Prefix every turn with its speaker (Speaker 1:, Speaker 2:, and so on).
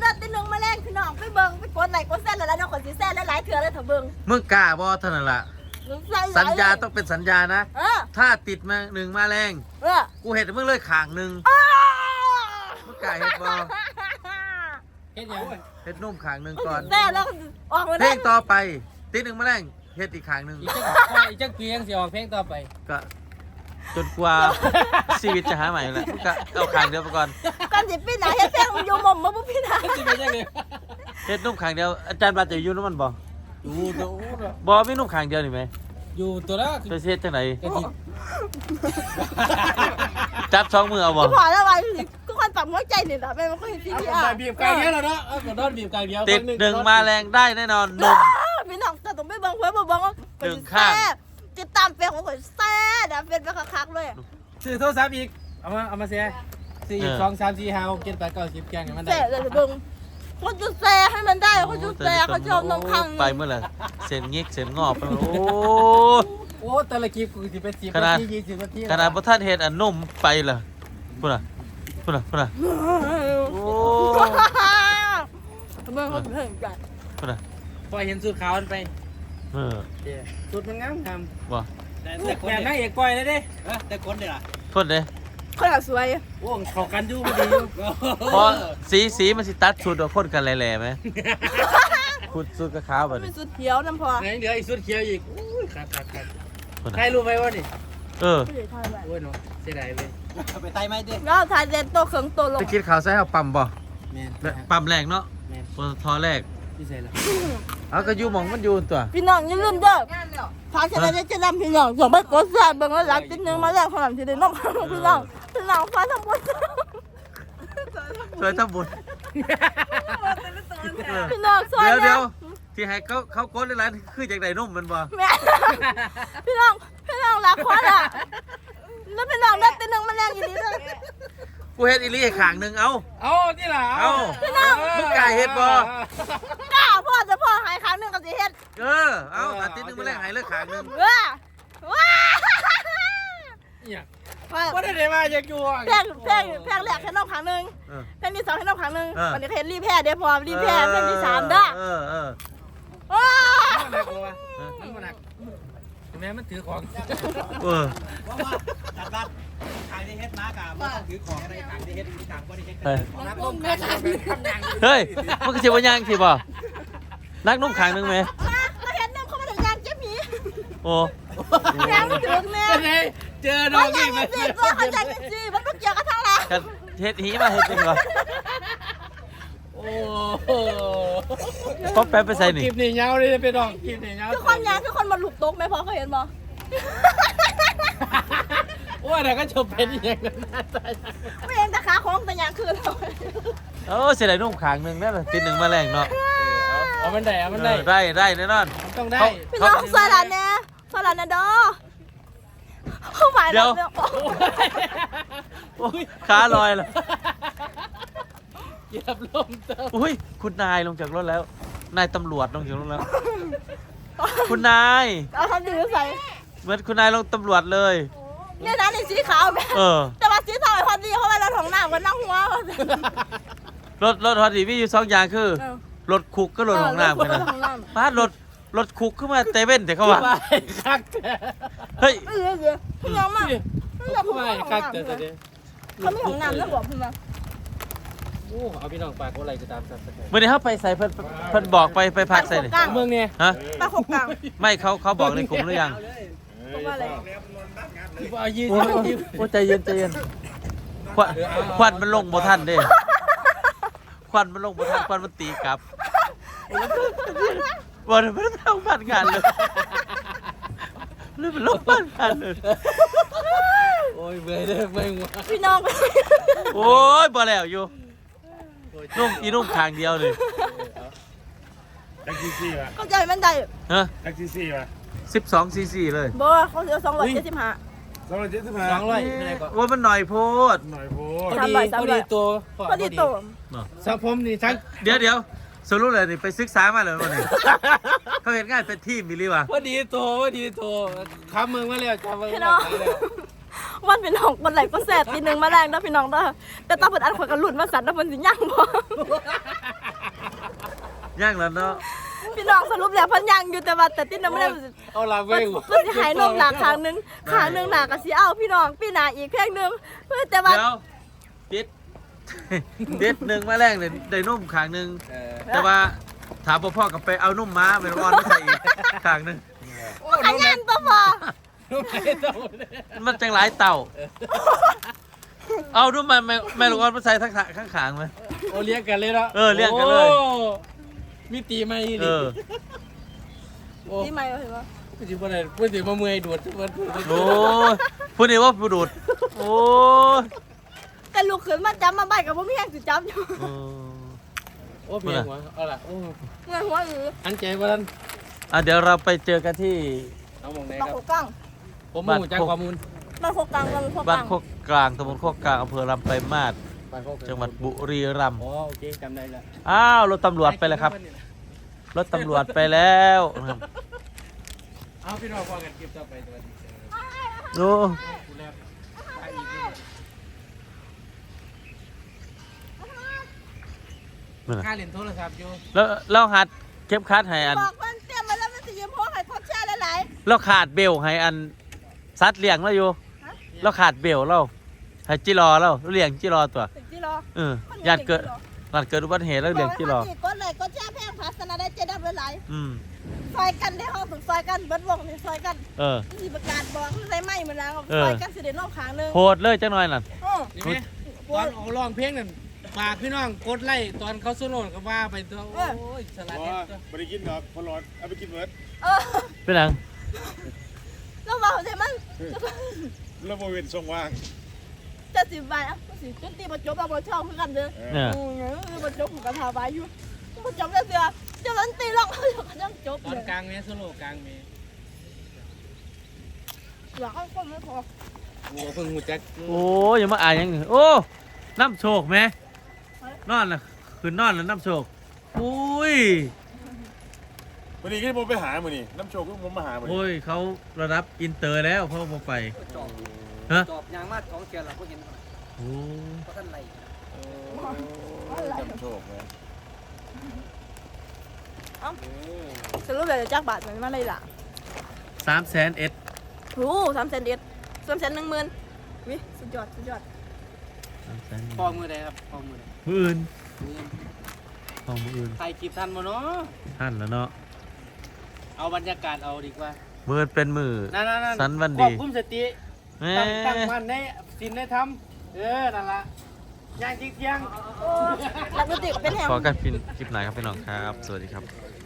Speaker 1: เลือดตีหนึ่งมาแรงพี่น้องไปเบิ่งไปกดไหลกดเส้นแล้วน้องขนสีแส้นหลายเถื่อเลยเถอะเบิ่ง
Speaker 2: มึงกล้าบ่เท่านั้นล่ะสัญญาต้องเป็นสัญญานะถ้าติดมา1มาแรงกูเห็นมึงเลยขางหนึ่งมึงกล้าเห็ดบ่
Speaker 3: เฮ็ดยัง
Speaker 2: เห็ดนุ่มขางหนึ่งก่อน
Speaker 1: แส้แล้วออกมา
Speaker 2: เพลงต่อไปติด1มาแรงเห็ดอีกขางหนึ่ง
Speaker 3: อีกจักปียังสิออกเพลงต่อไป
Speaker 2: ก็จนกว่าชีวิตจะหาใหม่แหละมึงก็เอาขางเดียวไปก่อน
Speaker 1: ก่อนสิพี่นาเฮ็ดแป้งอยู่หม่อมมาปุ๊บพี่นา
Speaker 3: สิเป็นจังได๋
Speaker 2: เฮ็ดนุ่มขางเดียวอาจารย์บาดจะอยู่น้ำมันบ่
Speaker 3: อยู่ตัว
Speaker 2: บ่มีนุ่มขางเดียวนี่ไหม
Speaker 3: อยู่ตัวละ
Speaker 2: จะเฮ็ดจังไหน
Speaker 3: กะทิ
Speaker 2: จับ2มือเอาบ่
Speaker 1: พอแล้วไว้ก็คนปั๊มหัวใจนี่ล่ะแม่มันก็เห็นพี่อ่ะ
Speaker 3: บีบกลางเดียวแล้วเนาะก็โดนบีบกลางเดียว
Speaker 2: ติด1มาแรงได้แน่นอนนุ่ม
Speaker 1: พี่น้องจะต้องไปเบิ่งเพิ่นบ่เบิ่งว่า
Speaker 2: 1ข้าง
Speaker 1: ติดตามเฟซของข่อยแซ่ดเป็นไปคักๆเลย
Speaker 3: ซื้อโทรศัพท์อีกเอามาเสียซื้ออีก2 3 4 5 6 7 8 9 10แกงให้มันได้
Speaker 1: แซ่เลยเบิ่งคนจะแซ่ให้มันได้คนจะแซ่เขาชอบน้องคัง
Speaker 2: ไปเมื่อไหร่เส้นงิกเส้นงอบไปโอ้
Speaker 3: โอ้แต่ละคลิปกูสิเป็น10
Speaker 2: ขนาด
Speaker 3: นาที20นาที
Speaker 2: ขนาดบ่ทันเฮ็ดอันนุ่มไปล่ะพุ่นน่ะโอ้
Speaker 1: เบิ่งเขาเพิ่งกัน
Speaker 2: พุ่นน่ะ
Speaker 3: พอเห็นสูตรขาวมันไป
Speaker 2: เออ
Speaker 3: สูตรมันงามท
Speaker 2: บ่
Speaker 3: ำแบบนางเอกก้อยเลยเด้แต่คนเด้ล่ะ
Speaker 2: พุ่นเด้
Speaker 1: คนละสวย
Speaker 3: โอ้เข้ากันอยู่พอดีอยู่
Speaker 2: พอสีมันสิตัดชุดว่าคนกันแหล่ๆมั้ยขุดสุดกับขาวบัด
Speaker 1: มี
Speaker 2: นี้
Speaker 1: สุดเขียวน้ำพอ
Speaker 3: ไหนเหลืออีกสูตรเขียวอีกอุ้ยครับ
Speaker 2: พุ่น
Speaker 3: ใคร
Speaker 2: น่ะ
Speaker 3: รู้ไหมว่านี่
Speaker 2: เออ
Speaker 1: ไม่ได้ทายไว้
Speaker 3: โอ้ยเนาะเสียดายเว้ยไปไต่ไหมดิ
Speaker 1: แล้วทายเด่นโตเขิงโตลง
Speaker 2: จะกินข้าวใส่เอาปั๊มบ่
Speaker 3: แม่น
Speaker 2: ปั๊มแรกเนาะ
Speaker 3: แม่น
Speaker 2: ปตทแรก
Speaker 3: พี่ใส่ละ
Speaker 2: เอาก็อยู่หม่องมันอยู่ตัว
Speaker 1: พี่น้องอย่าลืมเด้อพาชนะจะนำพี่น้องส่งไปกดแซ่เบิ่งแล้วหลังติดนึงมาแล้วขนาดที่ได้น้องพี่น้องฟ้าทั้งหมด
Speaker 2: ช่วยทำบุญ
Speaker 1: พี่น้องซอย
Speaker 2: เดี๋ยวที่ให้เขากดหลายๆคือจากไหนนุ่มมันบ่
Speaker 1: แม่พี่น้องรักคนอ่ะแล้วพี่น้องได้ติดนึงมาแล้วอย่างนี้เลย
Speaker 2: กูเฮ็ดอีหลีให้ข้างหนึงเอา
Speaker 3: เอานี่ล่ะ
Speaker 2: เอามึงกล้าเฮ็ดบ่
Speaker 1: กล้าพ่อจะพ่อหายครั้งนึงกับสิเฮ็ด
Speaker 2: เอาอาทิตย์หนึงมาแลกให้เลิกข้างหนึง
Speaker 1: ว้า
Speaker 3: เนี่ยว่าได้มาอยากอยู่
Speaker 1: แพงแรกให้น้องครั้งนึงแพงที่2ให้น้องครั้งนึงวันนี้เฮ็ดรีแพ้เดี๋ยวพอรีแพ้แพงที่3เด้อ
Speaker 3: มันหนักบ่วะมันหนักแม่มันถือของ
Speaker 4: จัดบ้านขายได้เฮ็ดมากอะว่าถือของอะไรขายได้เฮ็ดมีทางก็ได้เฮ็ด
Speaker 3: นักลมแม่ทำอย่าง
Speaker 2: เฮ้ยมันก็สิบ่ย่างสิบ่นักนุ่มข้างหนึงไหม
Speaker 1: ก็เห็นน้ำเขามาถึงงานเจ๊หมี
Speaker 2: โอ้
Speaker 1: แพงถึงแม่
Speaker 3: เจอน้องนี่
Speaker 1: มันเจ็บตัวเขาใจจริงมันต้องเกี่ยวกับทั้งหลาย
Speaker 2: กันเฮ็ดหีมาเฮ็ดจริงบ่
Speaker 3: โอ้โห
Speaker 2: ป๊อปแป๊บไปใส่นี่
Speaker 3: คลิปนี่ยาวเลยไปน้องคลิปนี่ยาว
Speaker 1: คือคนยางคือคนมาหลุกตกไหมพอเขาเห็นบ่
Speaker 3: ว่าแต่ก็จบเป็นอย่างนั้น
Speaker 1: ไม่เห็นแต่ขาของแต่ยางคือเรา
Speaker 2: โอ้เสียดายนุ่มข้างหนึงนั่นน่ะติด1มาแรงเนาะ
Speaker 3: เอามันได้เอามันได้
Speaker 2: ได้แน่นอน
Speaker 3: ต้องได้
Speaker 1: พี่น้องสลัดเนี่ยสลัดนะดอเข้าหมาย
Speaker 2: เดี๋ยว โอ้ยขาลอยแล้ว
Speaker 3: เหยียบลมเติม
Speaker 2: อุ้ยคุณนายลงจากรถแล้ว นายตำรวจลงจากรถแล้ว คุณนาย
Speaker 1: เอาทำดีใส่
Speaker 2: เหมือนคุณนายลงตำรวจเลย
Speaker 1: เนี่ยนะในสีขาวแบบ แต่ว่าสีทองไอ้พอดีเขาไปเราถองหน้ากันนั่งหัว
Speaker 2: รถฮอตดีมีอยู่2อย่างคือรถคุกก็รถของน้ำกันนะป้ารถคุกขึ้นมาเตเว่นแต่เขาว่า
Speaker 3: ไม่คัก
Speaker 2: เฮ้ย
Speaker 1: พี่น้องมาก
Speaker 3: ไม่คักแต่เดี๋ยว
Speaker 1: เขาไม่ของน้ำแล้วบอกพี่มา
Speaker 3: โอ้เอาพี่น้องปากก็อะไรจะตามสับสน
Speaker 2: เมื่อนี้เขาไปใส่เพิ่นบอกไปพักใส่นี่
Speaker 3: เมืองเนี่ย
Speaker 2: ฮะ
Speaker 1: ปลาขกกลาง
Speaker 2: ไม่เขาบอกในกลุ่มหรือยัง
Speaker 1: เพราะว่าอะไร
Speaker 3: เอายี่
Speaker 2: โอ้
Speaker 3: สิบ
Speaker 2: โอ้ใจเย็นควันมันลงบ่ทันเด้ควันมันลงบ่ทันควันมันตีกลับบ่ได้มันทำบ้านงานเลยเลยมันลงบ้านงานเลย
Speaker 3: โอ้ยเบื่อเด้อเบื่อหัว
Speaker 1: พี่น้อง
Speaker 2: โอ้ยบ่แล้วอยู่นุ่มข้างเดียวเลย
Speaker 4: แท็กซี่ป่ะ
Speaker 1: เข้าใจมันได้
Speaker 2: ฮะ
Speaker 4: แท็กซี่ป่ะ
Speaker 2: 12 cc เลย
Speaker 1: บ่เขาเสีย275
Speaker 4: 275
Speaker 3: 200ไม่ได้ก็
Speaker 2: ว่ามันหน่อยโพด
Speaker 4: หน่อยโพ
Speaker 3: พอดีตัว
Speaker 1: พอดีโต
Speaker 3: สังผมนี่ทั้ง
Speaker 2: เดี๋ยวสรุปเลยนี่ไปศึกษามาเลยวันนี้ เขาเห็นง่ายเป็นทีมมิลลี่วะ
Speaker 3: พอดีตัวคำมึงมาแล้วจำมึง
Speaker 1: พี่น้องวันเป็นหกวันไหลก็แสบทีนึงมาแรงนะพี่น้องเด้อแต่ตาเปิดอันขวดกระหลุดมาสั่นแล้วมันสิย่างบ่
Speaker 2: ย่างแล้วเนาะ
Speaker 1: พี่น้องสรุปแล้วเพันยังอยู่แต่ว่าแต่ติ้นไม่ได้
Speaker 3: เอาละ
Speaker 1: เพิ่
Speaker 3: เว้
Speaker 1: น
Speaker 3: ย
Speaker 1: เพิ่นสิหายนมหนักครั้งหนึงหนักก็สิเอาพี่น้องพี่หนาอีกแค่นึงเพื่อแต่ว่า
Speaker 2: เดี๋ยวติด ติดหนึ่งมาแรงเลยได้นุ่มขางหนึ่งแต่ว่าถามพ่อกับไปเอานุ่มม้าไปร้อนไม่ใส่อีกขางหนึ่ง
Speaker 1: ขยันปะพอ
Speaker 3: ลูกไอ้เต่า
Speaker 2: มันจังหลายเต่า เอานุ่มมาไม่ร้อนมาใส่ทั้งข้างขางไหม
Speaker 3: โอเลี้ยงกันเลยเนาะ
Speaker 2: เออเลี้ยงกันเลย
Speaker 3: โอ้มีตีไหม
Speaker 2: เอ
Speaker 3: นี่
Speaker 2: อ
Speaker 3: โอ้
Speaker 1: นี่ไม่เห็นปะ
Speaker 3: พูดถึงอะไรพูดถึงมาเมื่อยดูดทุกวัน
Speaker 2: โอ้ยพูดนี่ว่าผู้ดูดโอ้ย
Speaker 1: แต่ลูกขึ้นมาจำมาใบกับพ่อพี่แห้งสิจำอยู่
Speaker 2: เออ
Speaker 3: โอ้เมียหัวเอาล่ะโอ้
Speaker 1: เงินหัวหรือ
Speaker 3: อันใจว่าท่าน
Speaker 2: เดี๋ยวเราไปเจอกันที่
Speaker 3: เอาหมองไหน
Speaker 1: บาง
Speaker 3: ค
Speaker 1: โค
Speaker 3: รับ
Speaker 1: กัง
Speaker 3: ผมมาหูจากข้อมูล
Speaker 1: บางโคกังบางโค
Speaker 2: บ้า
Speaker 1: กั
Speaker 2: น
Speaker 1: ง
Speaker 2: โคกกลางตำบลโคกกลางอำเภอลำไปลายมาศ
Speaker 3: บ้านโคก
Speaker 2: จังหวัดบุรีรัมย์
Speaker 3: อ๋อโอเคจำได้แล้ว
Speaker 2: อ้าวรถตำรวจไปแล้วครับรถตำรวจไปแล้วนะครับ
Speaker 3: เอาพี่น้องฟังกันคลิปต่อไปตัวนี้
Speaker 2: โอ้
Speaker 3: กูแล้วไปอีกนี่
Speaker 2: นั่นน่ะ
Speaker 3: ค่าเล่นโทรศัพท์อยู่
Speaker 2: แล้วเราหัดเก็บคัดให้อัน
Speaker 1: บอกมันเตรียมมาแล้วมันสิยืมพ่อให้พ่อแช่หลาย
Speaker 2: เราขาดเบลให้อันซัดเลี้ยงเราอยู่เราขาดเบลเราให้จิรอเราเลี้ยงจิรอตัว
Speaker 1: ๆถึงที่รอ
Speaker 2: เออญาติเกิดอุบัติเหตุแล้วเลี้ยงจิรอ
Speaker 1: ก็เลยก็แช่แพงพัฒนาได้เจ๊ดับหลาย
Speaker 2: อืม
Speaker 1: ซอยกันได้ห้องถึงซอยกันเบิดวงนี่ซอยกัน
Speaker 2: เออ
Speaker 1: สิประกาศบอกใส่ไม้มันแล้ว
Speaker 2: เออ
Speaker 1: ซอยกันสิเดนอกขางนึง
Speaker 2: โหดเลยจังหน่อยนั่น
Speaker 3: นี่ไหมตอนเอาร้องเพลงนั่นฝากพี่น้องกดไลค์ตอนเขาสู้โน่นก็ว่าไปตัวโอ้ยสลัด
Speaker 4: อ๋อ
Speaker 3: เด็ดตัว
Speaker 4: ไม่ได้กินหรอกพอร้อนเอาไปกินเบิร์ด
Speaker 1: เออ
Speaker 2: เป็นหยัง
Speaker 1: แล้วบอกใช่มัน
Speaker 4: แล้วโมเวนทรงว่าง
Speaker 1: จะสิบบาทอ่ะสิจนตีมาจบเอาบอช่องคือกันเด้อ
Speaker 2: เนี่ย
Speaker 1: มาจบผมกับทาบายอยู่มาจบแล้วเสือจะลันตีหรอกยังจบ
Speaker 3: ตอ
Speaker 1: เล
Speaker 3: น
Speaker 1: ย
Speaker 3: กลางเมสโลกลางเม
Speaker 1: อยากให้คนไม่พอ
Speaker 3: โอ้เพิ่งหูจัก
Speaker 2: โอ้ยอย่ามาอ่านหยังโอ้น้ำโชคไหมนอนล่ะคืนนอนแล้วน้ำโชคอุ้ย
Speaker 4: วันนี้ก็ผมไปหามือนี่น้ำโชคก็ผมมาหามือนี่
Speaker 2: โอ้ยเขาระดับอินเตอร์แล้วเขามาไป
Speaker 5: จอบ
Speaker 2: ฮะ
Speaker 5: จอบยางมาดของเกียร์เราก็เห็น
Speaker 2: โอ้
Speaker 5: เพราะท่านไหล
Speaker 4: น้ำโชคนะ
Speaker 1: สรุปเลยจักบาทมันมาได้ละ
Speaker 2: 300,000
Speaker 1: โอ้300,000 310,000วิสุดยอดสุดยอด
Speaker 3: พอมือใดครับพอมือใด
Speaker 2: มืออื่นของมืออื่น
Speaker 3: ถ่ายคลิปทันบ่เนาะ
Speaker 2: ท่านแล้วเนาะ
Speaker 3: เอาบรรยากาศเอาดีกว่า
Speaker 2: มือเป็นมือ
Speaker 3: นั่น
Speaker 2: สันวัน
Speaker 3: คว
Speaker 2: ดี
Speaker 3: บคุมสติ
Speaker 2: แหม่
Speaker 3: ตั้งมันในสินในธรรมนั่นละย่างจริงเที่ยง
Speaker 1: นักดนตรีก็เป็นแหง
Speaker 2: ขอกันคลิปไหนครับพี่น้องครับ สวัสดีครับ